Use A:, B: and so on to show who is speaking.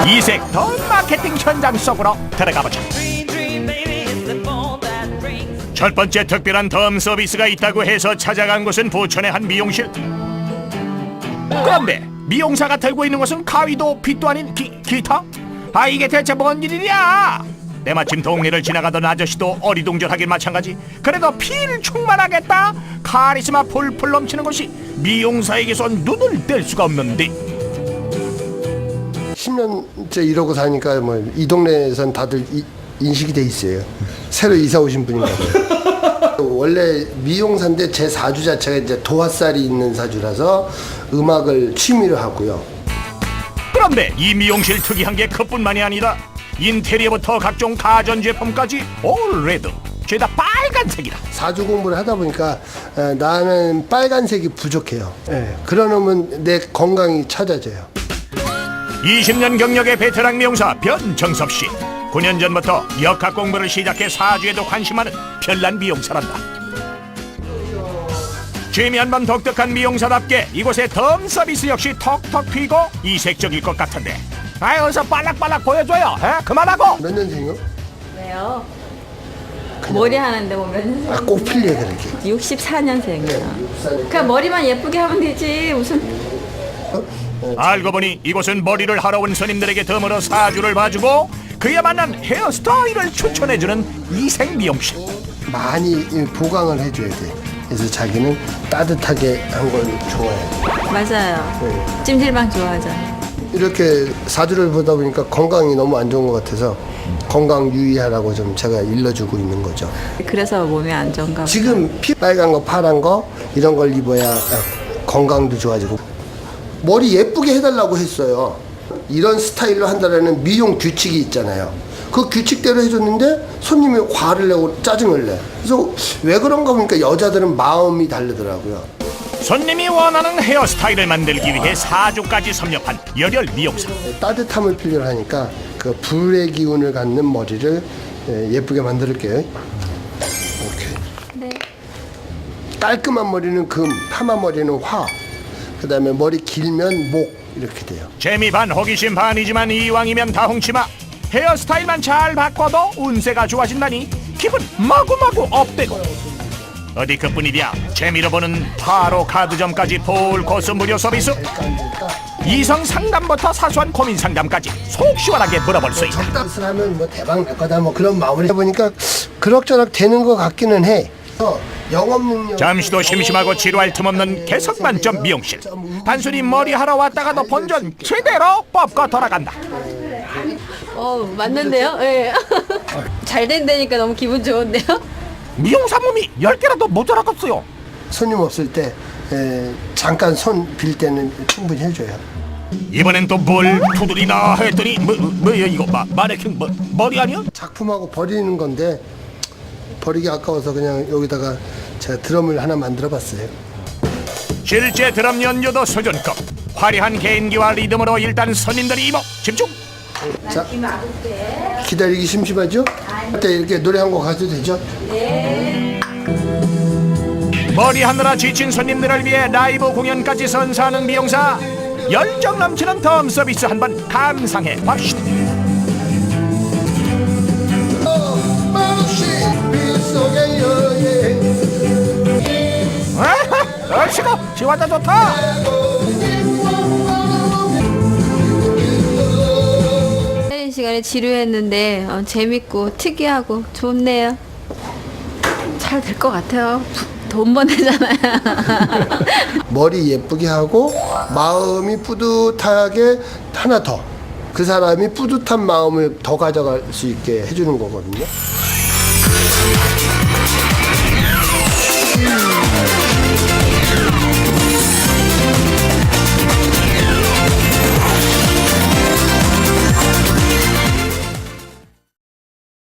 A: 이색 더 마케팅 현장 속으로 들어가보자. 첫 번째 특별한 덤 서비스가 있다고 해서 찾아간 곳은 부천의 한 미용실. 그런데 미용사가 들고 있는 것은 가위도 빗도 아닌 기타? 아, 이게 대체 뭔 일이냐? 때마침 동네를 지나가던 아저씨도 어리둥절하긴 마찬가지. 그래도 필 충만하겠다. 카리스마 풀풀 넘치는 것이 미용사에게서 눈을 뗄 수가 없는데.
B: 10년째 이러고 사니까 뭐 이 동네에선 다들 인식이 돼 있어요. 새로 이사 오신 분인가 봐요. 원래 미용사인데 제 사주 자체가 이제 도화살이 있는 사주라서 음악을 취미로 하고요.
A: 그런데 이 미용실 특이한 게 그뿐만이 아니라 인테리어부터 각종 가전제품까지 올 레드, 죄다 빨간색이다.
B: 사주 공부를 하다 보니까 나는 빨간색이 부족해요. 그러면 내 건강이 찾아져요.
A: 20년 경력의 베테랑 미용사 변정섭 씨. 9년 전부터 역학 공부를 시작해 사주에도 관심하는 별난 미용사란다. 취미한번 독특한 미용사답게 이곳의 덤 서비스 역시 턱턱 튀고 이색적일 것 같은데. 아이, 어서 빨락빨락 보여줘요. 그만하고.
B: 몇 년생이요?
C: 왜요? 머리 하는데 뭐 몇 년생?
B: 아, 꼭 필요해 그렇게.
C: 64년생이야. 그냥 머리만 예쁘게 하면 되지 무슨.
A: 알고 보니 이곳은 머리를 하러 온 손님들에게 덤으로 사주를 봐주고 그에 맞는 헤어스타일을 추천해주는 이색 미용실.
B: 많이 보강을 해줘야 돼. 그래서 자기는 따뜻하게 한 걸 좋아해.
C: 맞아요. 찜질방 좋아하잖아.
B: 이렇게 사주를 보다 보니까 건강이 너무 안 좋은 것 같아서 건강 유의하라고 좀 제가 일러주고 있는 거죠.
C: 그래서 몸이 안 좋은가 보다.
B: 지금 피 빨간 거 파란 거 이런 걸 입어야 건강도 좋아지고. 머리 예쁘게 해달라고 했어요. 이런 스타일로 한다라는 미용 규칙이 있잖아요. 그 규칙대로 해줬는데 손님이 화를 내고 짜증을 내. 그래서 왜 그런가 보니까 여자들은 마음이 다르더라고요.
A: 손님이 원하는 헤어스타일을 만들기 위해 사주까지 섭렵한 열혈 미용사.
B: 따뜻함을 필요로 하니까 그 불의 기운을 갖는 머리를 예쁘게 만들게요. 오케이.
C: 네.
B: 깔끔한 머리는 금, 파마 머리는 화. 그다음에 머리 길면 목 이렇게 돼요.
A: 재미 반 호기심 반이지만 이왕이면 다 훔치마. 헤어스타일만 잘 바꿔도 운세가 좋아진다니 기분 마구마구 업되고. 어디 그뿐이랴. 재미로 보는 타로 카드점까지 풀 코스 무료 서비스. 이성 상담부터 사소한 고민 상담까지 속 시원하게 물어볼 수 있다.
B: 적당히 하면 뭐 대박 날 거다 뭐 그런 마무리 해보니까 그럭저럭 되는 것 같기는 해. 영업 능력.
A: 잠시도 심심하고 지루할 틈 없는 개성 만점 미용실. 단순히 머리 하러 왔다가도 본전 제대로 뽑고 돌아간다.
C: 맞는데요? 예. 잘 된다니까 너무 기분 좋은데요?
A: 미용사 몸이 10개라도 모자라겠어요.
B: 손님 없을 때 잠깐 손 빌 때는 충분히 해줘요.
A: 이번엔 또 뭘 두드리나 했더니 뭐야 이거 마네킹 머리 아니야?
B: 작품하고 버리는 건데 버리기 아까워서 그냥 여기다가 제가 드럼을 하나 만들어봤어요.
A: 실제 드럼 연주도 수준급. 화려한 개인기와 리듬으로 일단 손님들이 이목 집중.
B: 자, 기다리기 심심하죠? 그때 이렇게 노래 한 곡 가도 되죠?
A: 머리 하느라 지친 손님들을 위해 라이브 공연까지 선사하는 미용사. 열정 넘치는 덤 서비스 한번 감상해 봅시다. 얼씨구 지화자 좋다.
C: 쉬는 시간에 지루했는데 재밌고 특이하고 좋네요. 잘 될 것 같아요. 돈 버내잖아요.
B: 머리 예쁘게 하고 마음이 뿌듯하게 하나 더. 그 사람이 뿌듯한 마음을 더 가져갈 수 있게 해주는 거거든요.